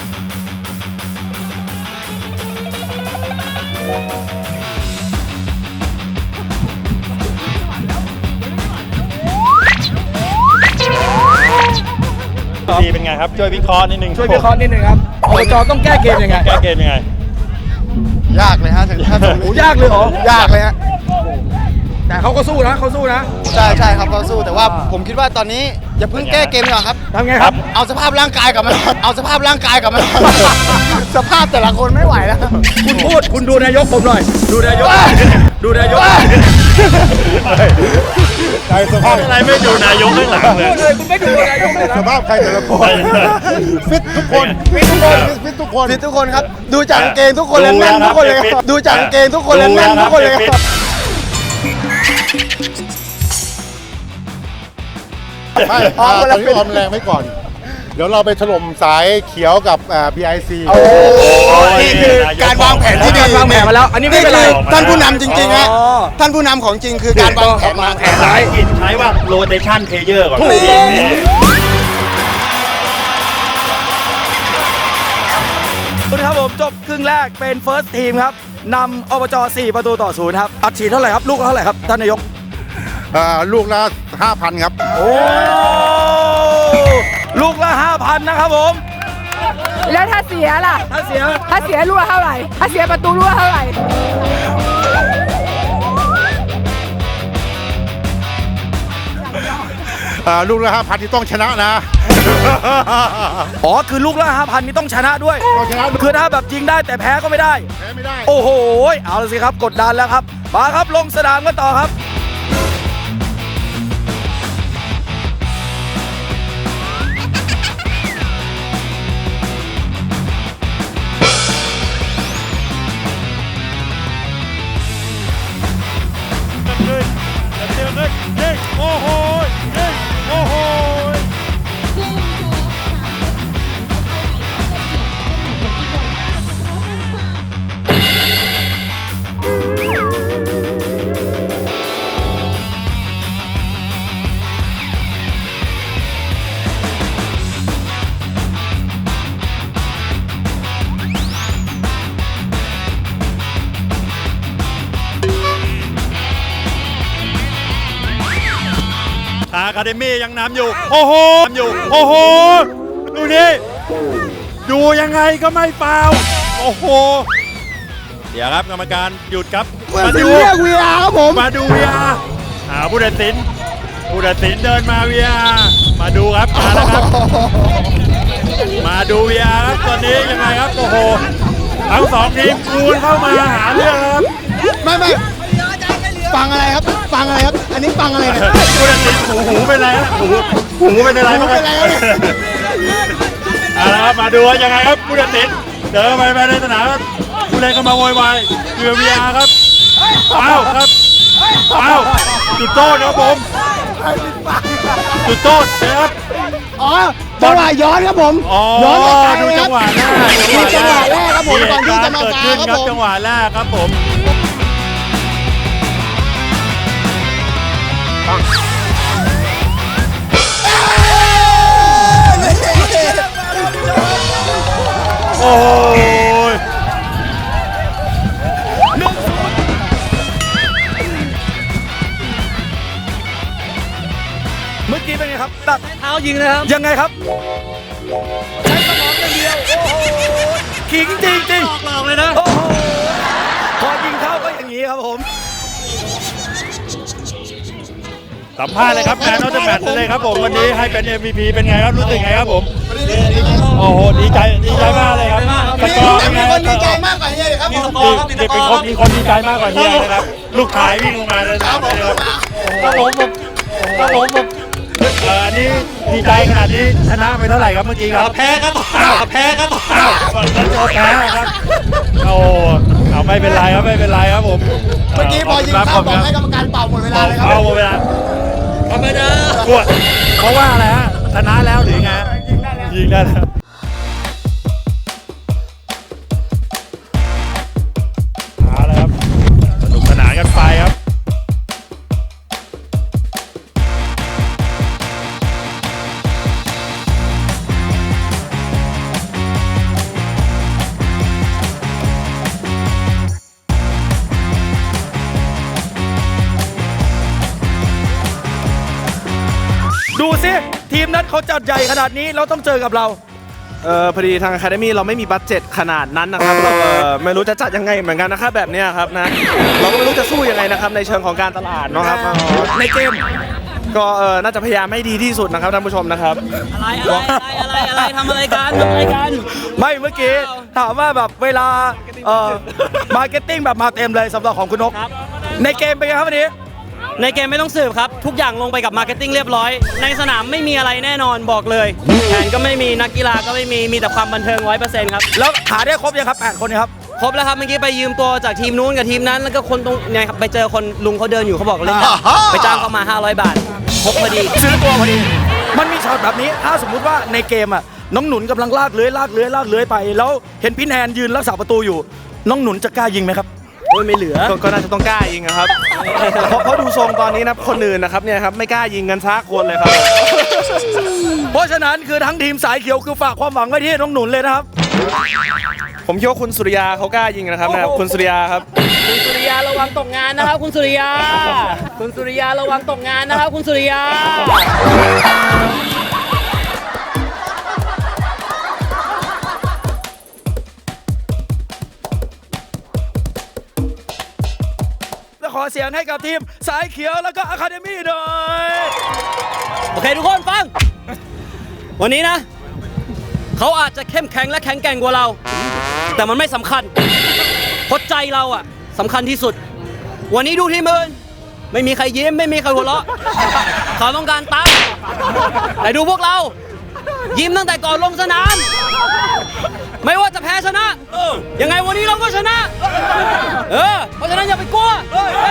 ดีเป็นไงครับช่วยวิเคราะห์นิดนึงช่วยวิเคราะห์นิดนึงครับอบจต้องแก้เกมยังไงแก้เกมยังไงยากเลยฮะถึงถ้าโอ้ยากเลยเหรอยากเลยฮะแต่เขาก็สู้นะเขาสู้นะใช่ใช่ครับเขาสู้แต่ว่าผมคิดว่าตอนนี้อย่าเพิ่งแก้เกมดีกว่าครับทำไงครับเอาสภาพร่างกายกลับมาเอาสภาพร่างกายกลับมา สภาพแต่ละคนไม่ไหวแล้วคุณพูดคุณดูนายกผมหน่อยดูนายกดูนายกใครสภาพอะไรไม่ดูนายกข้างหลังเลยพูดเลยคุณไม่ดูนายกเลยนะสภาพใครแต่ละคนฟิตทุกคนฟิตทุกคนฟิตทุกคนฟิตทุกคนครับ ดูจากกางเกงทุกคนแล้วแน่นทุกคนเลยครับดูจากกางเกงทุกคนแล้วแน่นทุกคนเลยครับไม่ตอนนี้ออมแรงไว้ก่อน เดี๋ยวเราไปถล่มสายเขียวกับBIC นี่คือการวางแผนที่ดีวางแผนมาแล้ว อันนี้ไม่เป็นไรท่านผู้นำจริงๆฮะอ๋อท่านผู้นำของจริงคือการวางแผนมาใช้ว่า rotation player ก่อนคุณครับผมจบครึ่งแรกเป็น first team ครับนำอบจ4-0ครับอัดฉีดเท่าไหร่ครับลูกเท่าไหร่ครับท่านนายกลูกละ 5,000 ครับโอ้ลูกละ 5,000 นะครับผมแล้วถ้าเสียล่ะถ้าเสียถ้าเสียลูกละเท่าไหร่ ถ้าเสียประตูลูกละเท่าไหร่ลูกละ 5,000 ที่ต้องชนะนะอ๋อคือลูกละ 5,000 นี่ต้องชนะด้วยต้องชนะด้วยคือถ้าแบบยิงได้แต่แพ้ก็ไม่ได้แพ้ไม่ได้โอ้โหเอาละสิครับกดดันแล้วครับมาครับลงสนามกันต่อครับโอ้โหโอ้โห อาคาเดมี่ยังนำอยู่ โอ้โหนำอยู่ โอ้โห ดูนี่ ดูยังไงก็ไม่ฟาวล์โอ้โห เดี๋ยวครับกรรมการหยุดครับ มาดูเรียก VR ครับผมมาดู VR ผู้ตัดสินเดินมา VR มาดูครับมาแล้วครับ มาดู VR ครับตอนนี้ยังไงครับ โอ้โห ทั้งสองทีมคูณเข้ามาหาเรื่องครับไม่ฟังอะไรครับฟังอะไรครับ อันนี้ฟังอะไรเนี่ยผู้ตัดสินหูเป็นไรฮะหูเป็นอะไรบ้างหูเป็นไรครับเอาละครับมาดูว่ายังไงครับผู้ตัดสินเดินไปในสนามครับผู้เล่นก็มาโวยวายเรือ VR ครับอ้าวครับอ้าวจุดโทษครับผมจุดโทษนะครับอ๋อจังหวะย้อนครับผมอ๋อย้อนไปไกลดูเลยคจัรับงหวะแรกดูจังหวะแรกครับผมก่อนที่จะมาเกิดฟาขึ้นครับครับผมจังหวะแรกครับผม โอ้ยเมื่อกี้เป็นไงครับตัดเท้ายิงนะครับยังไงครับใช้สมองอย่างเดียวโอ้โหขิงจริงๆหลอกเลยนะโอ้โหพอยิงเข้าก็อย่างนี้ครับผมสัมภาษณ์เลยครับแมนนอตแมทเลยครับผมวันนี้ให้เป็น MVP เป็นไงครับรู้สึกไงครับผมโอ้โหดีใจมากเลยครับสกอร์เป็นไงคนดีใจมากกว่าเฮียเลยครับผมมีคนดีใจมากกว่าเฮียนะครับลูกชายวิ่งลงมาเลยนะครับอันนี้ดีใจขนาดนี้ชนะไปเท่าไหร่ครับเมื่อกี้ครับแพ้ครับแพ้ครับครับโอ้เอาไม่เป็นไรครับไม่เป็นไรครับผมเมื่อกี้พอยิงเข้าบอกให้กรรมการเป่าหมดเวลาเลยครับเป่าหมดเวลาธรรมดาเพราะว่าอะไรฮะชนะแล้วหรือไงยิงได้แล้วมาแล้วครับสนุกสนานกันไปครับสิทีมนั้นเขาจัดใหญ่ขนาดนี้เราต้องเจอกับเราพอดีทาง Academy เราไม่มีบัดเจ็ตขนาดนั้นนะครับเราไม่รู้จะจัดยังไงเหมือนกันนะครับแบบเนี้ยครับนะเราก็ไม่รู้จะสู้ยังไงนะครับในเชิงของการตลาดเนาะครับในเกมก็น่าจะพยายามให้ดีที่สุดนะครับท่านผู้ชมนะครับอะไรทำอะไรกันไม่เมื่อกี้ถามว่าแบบเวลามาร์เก็ตติ้งแบบมาเต็มเลยสำหรับของคุณนกในเกมเป็นไงครับวันนี้ในเกมไม่ต้องสืบครับ ทุกอย่างลงไปกับมาร์เก็ตติ้งเรียบร้อย ในสนามไม่มีอะไรแน่นอนบอกเลยแผนก็ไม่มีนักกีฬาก็ไม่มีแต่ความบันเทิง 100% ครับแล้วหาได้ครบยังครับ8คนเนะครับครบแล้วครับเมื่อกี้ไปยืมตัวจากทีมนู้นกับทีมนั้นแล้วก็คนตรงเนี่ยครับไปเจอคนลุงเขาเดินอยู่เขาบอกเล่นได้ไปจ้างเขามา500 บาทครบพอดีซื้อตัวพอดีมันมีช็อตแบบนี้ถ้าสมมุติว่าในเกมอ่ะน้องหนุนกำลังลากเลื้อยไปแล้วเห็นพี่แนนยืนรักษาประตูอยู่น้องหนุนจะกล้ายิงไหมครับโอ้ยไม่เหลือก็น่าจะต้องกล้ายิงนะครับ เพราะดูทรงตอนนี้นะคนอื่นนะครับเนี่ยครับไม่กล้ายิงกันซักคนเลยครับเพราะฉะนั้นคือทั้งทีมสายเขียวคือฝากความหวังไว้ที่น้องหนุนเลยนะครับผมคิดว่าคุณสุริยาเขากล้ายิงนะครับนะครับคุณสุริยาครับคุณสุริยาระวังตกงานนะครับคุณสุริยา คุณสุริยาระวังตกงานนะครับคุณสุริยาและขอเสียงให้กับทีมสายเขียวแล้วก็อะคาเดมี่หน่อยโอเคทุกคนฟัง วันนี้นะเขาอาจจะเข้มแข็งและแข็งแกร่งกว่าเรา แต่มันไม่สำคัญเพราะใจเราอะสำคัญที่สุด วันนี้ดูทีมอื่นไม่มีใครยิ้มไม่มีใครหัวเราะเขาต้องการตังค์แต่ดูพวกเรา ยิ้มตั้งแต่ก่อนลงสนาม ไม่ว่าจะแพ้ชนะยังไงวันนี้เราก็ชนะเพราะฉะนั้นอย่าไปกลัว